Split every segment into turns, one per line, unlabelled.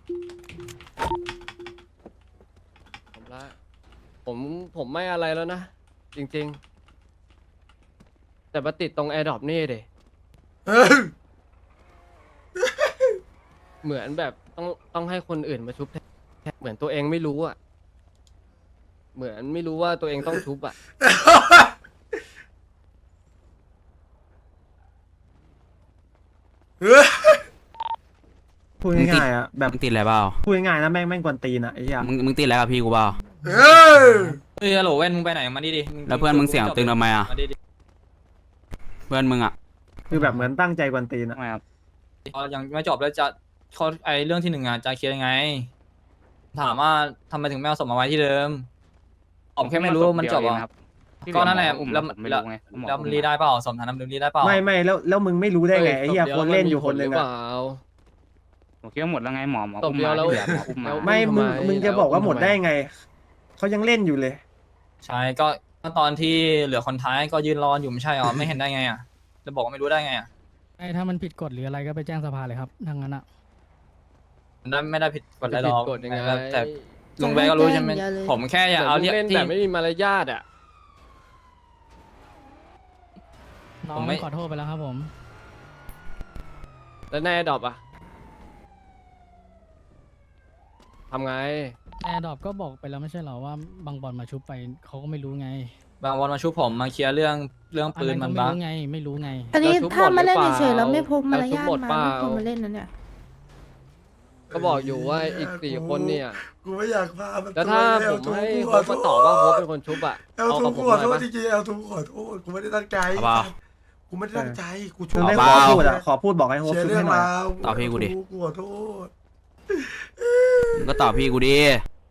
ผมละผมไม่อะไรแล้วนะจริงๆแต่มาติดตรงแอร์ดรอปนี่เด เหมือนแบบต้องให้คนอื่นมาชุบแทนเหมือนตัวเองไม่รู้อ่ะเหมือนไม่รู้ว่าตัวเองต้องชุบอ่ะ
พูดง่ายๆอ่ะแบบ
มึงติดอะไรเปล่า
พูดง่ายๆนะแม่งกวนตีนอ่ะไอ้เหี้ย
มึงติดอะไรกับพี่กูเปล่า
เฮ้ยฮัลโหลแว่นมึงไปไหนมาดิ
แล้วเพื่อนมึงเสียงตึงทำไมอ่ะ
มาดิ
เพื่อนมึงอ่ะ
คือแบบเหมือนตั้งใจกวนตีนอ่ะ
ทำไมครับ
ยังไม่จบแล้วจะเขาไอเรื่องที่หนึ่งอ่ะจะเคลียร์ยังไง ถามว่าทำไมถึงไม่เอาศพมาไว้ที่เดิมผมแค่ไม่รู้มันจบอ่ะก็นั่นแหละแล้วมันรีได้เปล่าสมฐานน้ำดื่มรีได้เปล่า
ไม่แล้วมึงไม่รู้ได้ไงไอ้เหี้ยคนเล่นอยู่คนหนึ่ง
เป
อ่ะ
ล่า
ผมคิดว่าหมดแล้วไงหมอ
ตบเดียวแล้ว
หมออุ้มมา
ไม่มึงจะบอกว่าหมดได้ไงเขายังเล่นอยู่เลย
ใช่ก็ตอนที่เหลือคนท้ายก็ยืนรออยู่ไม่ใช่หรอไม่เห็นได้ไงอ่ะจะบอกว่าไม่รู้ได้ไงอ่ะ
ไอ้ถ้ามันผิดกฎหรืออะไรก็ไปแจ้งสภาเลยครับทางนั้นอ่ะ
ไม่ได้ผิดกฎอะไรหรอก
กดยังไง
แต่ลุงแบก็รู้ใช่ไหม
จะให้แจ้งอย่างเดียวเลย
ผมแค่อยากเอา
เล่น
ที่
แบบไม่มีมารยาทอ่ะ
น้อ
ผ
ง
มไม่
ขอโทษไปแล้วครับผม
แล้วในแอร์ดรอปอ่ะทำไง
แอร์ดรอปก็บอกไปแล้วไม่ใช่เหรอว่าบางบอลมาชุบไปเขาก็ไม่รู้ไง
บางวันมาชุบผมมาเคลียร์เรื่องปืนมัน
ก็
บ้า
ไม่รู้ไง
อันนี้
แล้วชุบ
ถ้ามาเล่น
หมดหรือเปล่า
เฉยๆแล้วไม่พกมาร
แล้วชุบ
ยาท
หมด
มา
เปล่า
ไม่ควรมาเล่นนะเนี่ย
ก็บอกอยู่ว่าอีก4 คนเนี่ย
กูไม่อยากพามัน
แล้วถ้าผมให้โฮปมาตอบว่าโฮปเป็นคนชุบอ่ะ
เอล
เอา
ทู
กับผม
กูขอ
หน่
โท
อย
ษ
ปะ
จริงๆเอลทูขอโทษกูไม่ได้ตั้งใจ
เอาเปล่า
กูไม่ได้ตั้งใจกู
มึงไม่
เป
ขอ
ล่า
พูดอ่ะขอพูดบอกให้โฮส
เชีย
ต์
ร์
ชุบ
เรื่อ
ให้
ง
หน่อย
ราว
ตอบพี่กูดิ
กูขอโทษ
มึงก็ตอบพี่กูดิ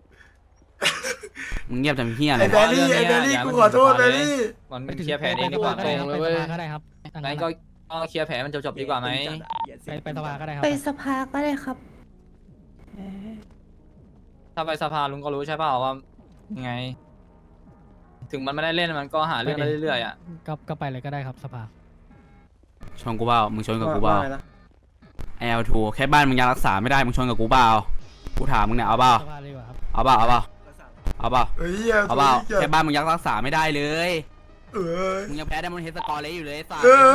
มึงเงียบทำเฮี้ยอะไร
ไอ้แบรี่ไอ้แบรี่กูขอโทษแบรี่
มันเคลียร์แผลเองดีกว่าไหม
ไปสภาก็ได้ครับทาง
งั้
นั้น น
ก็เคลียร์แผลมันจบดีกว่าไหม
ไปสภาก็ได้ครับ
ไปสภาก็ได้ครับเออ
ถ้าไปสภาลุงก็รู้ใช่เปล่าว่ายังไง ถึงมันไม่ได้เล่นมันก็หาเรื่องได้เรื่อยๆอ่ะ
ก็ไปเลยก็ได้ครับสภา
ชนกูเปล่ามึงชนกับกูเปล่า
ว่าไงนะ
L2 แค่บ้านมึงยังรักษาไม่ได้มึงชนกับกูเปล่ากูถามมึงเนี่ยเอาเปล่า
สภาเลยดีกว่าครับ
เอาเปล่าเอาเปล่าเอาเปล่า
เฮ้ย
เอาเปล่าแค่บ้านมึงยังรักษาไม่ได้เลย
เออ
มึงยังแพ้ได้มันเฮดสกอร์เลยอยู่เลยไอ้สัส
เออ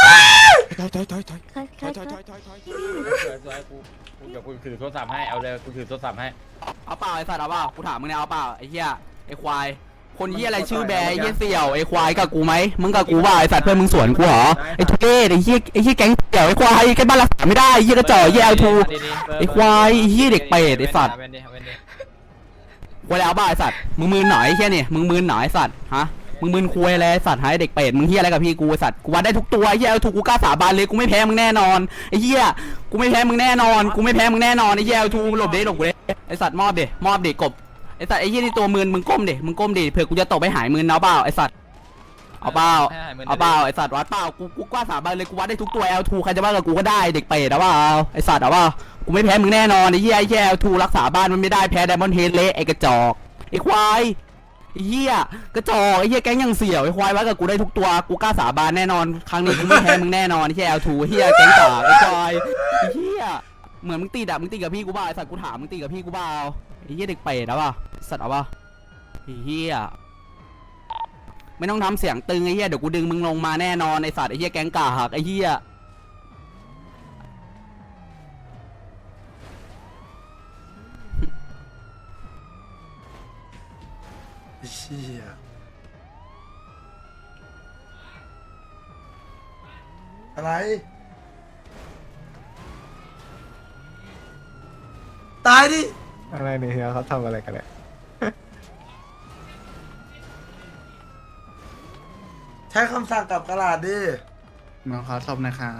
ใคร
กูถือโทรศัพท์ให้เอาเลยกูถือโทรศัพท์ให้
เอาเปล่าไอ้สัตว์เอาเปล่ากูถามมึงเนี่ยเอาเปล่าไอ้เหี้ยไอ้ควายคนเหี้ยอะไรชื่อแบร์ไอ้เหี้ยเสี่ยวไอ้ควายกับกูไหมมึงกับกูว่าไอ้สัตว์เพื่อนมึงสวนกูเหรอไอ้ทุเรศไอ้เหี้ยแก๊งเสี่ยวไอ้ควายแค่บ้านรักษาไม่ได้ไอ้เหี้ยกระจอกไอ้เหี้ยL2ไอ้ควายไอ้เหี้ยเด็กเป็ดไอ้สัตว์ควายเอาเปล่าไอ้สัตว์มึงมืนหน่อยไอ้เหี้ยนี่มึงมืนหน่อยไอ้สัตว์ฮะมึงมืนคุยอะไรไอ้สัตว์หายเด็กเป็ดมึงเหี้ยอะไรกับพี่กูไอ้สัตว์กูวัดได้ทุกตัวไอ้เหี้ยL2กูกล้าสาบานเลยกูไม่แพ้มึงแน่นอนไอ้เหี้ยกูไม่แพ้มึงแน่นอนกูไม่แพ้มึงแน่นอนไอ้เหี้ยL2หลบกูเลยไอ้สัตว์มอบดิกบไอ้สัตว์ไอ้เหี้ยนี่ตัวมืนมึงก้มดิเผื่อกูจะตกไปหายมืนเอาเปล่าไอ้สัตว์เอาเปล่าไอ้สัตว์วัดเปล่ากูกล้าสาบานเลยกูวัดได้ทุกตัว L2 ใครจะว่ากับกูก็ได้เด็กเป็ดเอาเปล่าไอ้สัตว์เอาเปล่ากูไม่แพ้มึงแน่นอนไอ้เหี้ยL2รักษาบ้านมันไม่ได้แพ้ไดมอนด์เฮดเละไอ้กระจอกไอ้ควายไอ้เหี้ยกระจอกไอ้เหี้ยแก๊งยังเสี่ยวไอ้ควายวัดกับกูได้ทุกตัวกูกล้าสาบานแน่นอนครั้งนี้กูไม่แพ้มึงแน่นอนไอ้เหี้ยL2เหี้ยแก๊งต่อไอ้ควายไอ้เหี้ยเหมือนมึงตีกับพี่กูบ้าไอ้สัตว์กูถามมึงตีกับพี่กูบ้าไอ้เหี้ยเด็กเป็ดเอาเปล่าสัตว์เอาเปล่าไอ้เหี้ยไม่ต้องทำเสียงตึงไอ้เหี้ยเดี๋ยวกูดึงมึงลงมาแน่นอนไอ้สัตว์ไอ้เหี้ยแก๊งกาหักไอ้เหี้ย
เชี่ยอะไรตายดิ
อะไรเนี่ยเฮียเขาทำอะไรกันเนี่ย
ใช้คำสั่งกับกระดาษดิ
มาขอศพนะครับ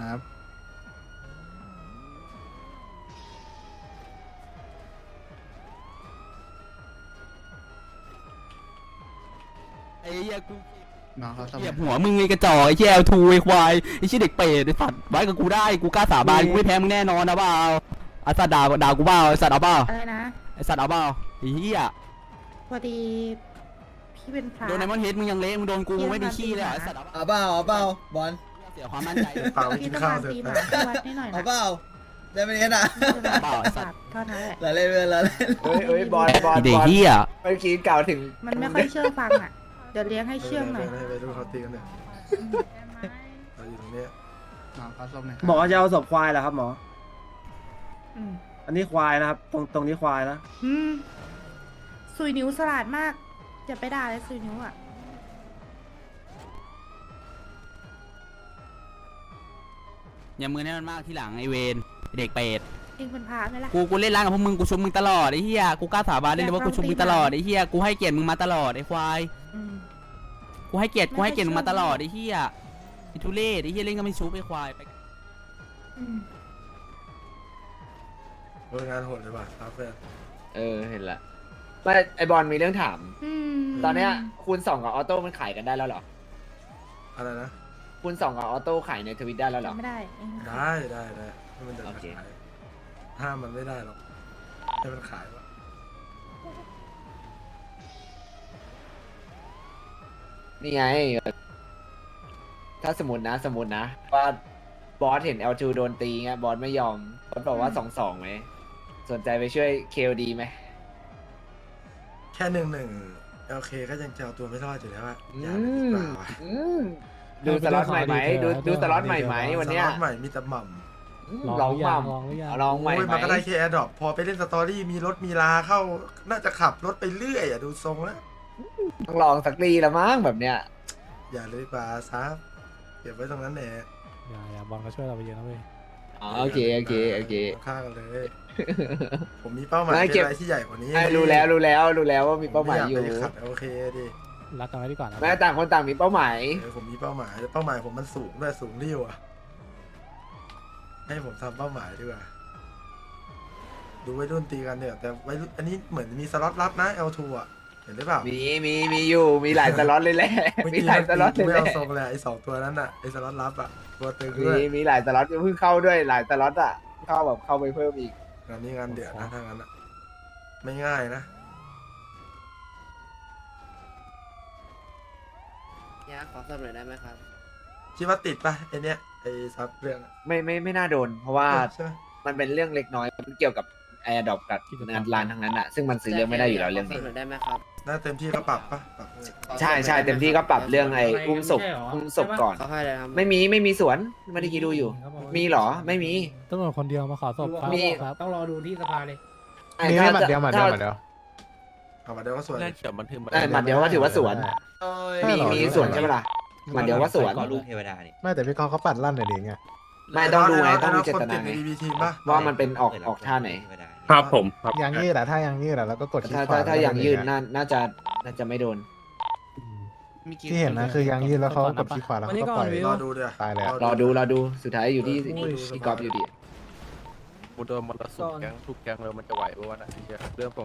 ไอ้เหี้ยกู
มาขอศพ
เหยียบหัวมึงไอ้กระจอกไอ้เหี้ยL2ไอ้ควายไอ้เหี้ยเด็กเป็ดไอ้สัตว์ไว้กับกูได้กูกล้าสาบานกูไม่แพ้มึงแน่นอนนะเปล่าไอ้สัตว์ด่ากูเปล่าไอ้สัตว์เอาเปล่า
อะไรนะ
ไอ้สัตว์เอาเปล่าไอ้เหี้ย
พอดีพี่เป็นพระ
โดนไดมอนด์เฮดมึงยังเละมึงโดนกูมึงไม่มีขี้เลยเหรอไอ้สัตว์เอา
เอาเปล่าบอล
เสียความมั่นใจ
เปล่า
พี่
กิน
ต้อง
ข้าว
มา
เถอะ
ตีห
ไป
มาที่วัดให้หน่อย
เอา
นะ
เปล่าได้ไหมเนี่ยนะ
เปล่าไอ้สัตว์
เท่านั้นแหละ
เราเล่นเพื่อนเราเล่น
เอ้ยบอล
ไอ้เด็กเหี้ย
เมื่อกี้กล่าวถึง
มันไม่ค่อยเชื่อฟังอ่ะ เดี๋ยวเลี้ยงให้เชื่องหน่อย
ไปดูเขาตีกันเนี่ยเราอยู่ตรงเนี้ย
น้องเขาศพหน่อย
หมอจะเอาศพควายเหรอครับหมอ
อืม
อันนี้ควายนะครับ ตรงนี้ควายนะ
อืมซุยนิ้วสลาดมากจะไปด่าเลยซุยนิ้วอ่ะ
อย่ามือให้มันมากที่หลังไอเวนเด็กเป็ด
เองเป็นพระไหมล่ะ
กูเล่นร้านกับพวกมึงกูชุบมึงตลอดไอ้เหี้ยกูกล้าสาบานได้เลยว่ากูชุบมึงตลอดไอ้เหี้ยกูให้เกียรติมึงมาตลอดไอ้ควาย
อืม
กูให้เกียรติมึงมาตลอดไอ้เหี้ยไอ้ทุเรศไอ้เหี้ยเล่นก็ไม่ชุบไอ้ควายไป
อืม
โรงงานโหดเลยว่ะครับเพื่อน
เห็นละไม่ไอบอลมีเรื่องถาม
อืม
ตอนเนี้ยคูณ2กับออโต้มันขายกันได้แล้วเหรอ
อะไรนะ
คูณ2กับออโต้ขายในทวิตได้แล้วเหรอ
ไม่ได้เอง
ได้ให้มันเดิน
โอ
มา
เค
ขายห้ามมันไม่ได้หรอกให้มันขายวะ
นี่ไง ถ้าสมมตินะว่าบอสเห็น L2 โดนตีเงี้ยบอสไม่ยอมบอสบอกว่า2-2ไหมสนใจไปช่วย KOD ไหม
แค่1-1 LK ก็ยังจะเอาตัวไม่รอดอยู่แล้วอะอย่าเลยดีกว่าวะ
ดูสล็อตใหม่ไหมดูสล็อตใหม่ไหมวันเนี้ย
สล็อตใหม่มีแต่หม่ำ
ลองหม่
ลองหรือยัง
ำลองใหม่
โอ้ย
ไหม
มันก็ได้แค่แอร์ดรอปพอไปเล่นสตอรี่มีรถมีลาเข้า น่าจะขับรถไปเรื่อยอะดูทรงแล้ว
ต้องลองสักทีละมั้งแบบเนี้ย
อย่าเลยดีกว่าซับเก็บไว้ตรงนั้นแหละ
อย่าบอลก็ช่วยเราไปเยอะนะเว้ย
อ๋อโอเค
ฆ่ากันเลย ผมมีเป้าหมาย
ไม่
เป็น
เก็บ
อะไรที่ใหญ่กว่านี้
รู้แล้วว่ามีเป้าหมายอยู่
ผไขัดโอเคดิ
รักกันไว้ดีกว่านะ
แม้ต่างคนต่างมีเป้าหมาย
ผมมีเป้าหมายเป้าหมายผมมันสูงด้วยสูงริ้วอะให้ผมทำเป้าหมายดีกว่าดูวัยรุ่นตีกันเนี่ยแต่วัยรุ่นอันนี้เหมือนมีสล็อตลับนะ L2 อะเห็นหรือเปล่า
มีอยู่มีหลายสล็อตเลยแหละ
เมื่อ
มี
กี้
หลายสล็อตเลย
ไม่
แหละ
เอาทรงเลยไอ้2ตัวนั้นอะไอ้สล็อตลับอะตัวตึงด้วย
มีหลายสล็อตเพิ่งเข้าด้วยหลายสล็อตอ่ะเข้าไปเพิ่มอีก
งานนี้งานเดือดนะถ้างั้นอะไม่ง่ายนะ
เนี่ยขอสอบหน่อยได้ไหมครับ
คิดว่าติดปะไอเนี้ยไอซับเรื่องอะ
ไม่น่าโดน เพราะว่า
ใช่ไหม
มันเป็นเรื่องเล็กน้อยมันเกี่ยวกับแอร์ดรอปกับงานร้านทั้งนั้นอ่ะซึ่งมันซื้อเรื่องไม่ได้อยู่แล้วเรื่องนี้
ได้ไหมครับ
น่าเต็มที่ก็ปรับปะปรับ
ใช่เต็มที่ก็ปรับเรื่องไอ้อุ้มศพก่อน
เขาให้เลยครับ
ไม่มีสวนไม่ได้คิดดูอยู่ มีเหรอไม่มี
ตำรวจคนเดียวมาขอศพครับ
มี
ครับ
ต้องรอดูที่สภาเลย
มีหมัดเดียว
เอามาเดี๋ยวก็ส่วน
หมัดเดียวก็ถือว่าสวนมีสวนใช่ไหมล่ะหมัดเดียวก็สวน
ไม่แต่พี่กองเขาปัดลั่นหน่อยดิไง
ไม่ต้องดูไงต้องดูเจ
ค
ต
น
นา
ติดใน
ไง
BB ทีมปะ
ว่ามันเป็นออกท่าไหน
ครับผมยางยืดอะถ้ายางยืดอะแล้วก็กดคลิกขวา
ถ้าอย่างยืนน่าจะไม่โดน
ที่เห็นนะคือยางยืดแล้วเขากดคลิกขวาแล้วเขาก็ปล่อย
รอดูเดี๋ยว
ตายแล้ว
รอดูสุดท้ายอยู่ที่กอล์ฟอยู่ดี
กูโดนมรสุมแก๊งทุกแก๊งเลยมันจะไหวปะวะนะเรื่อง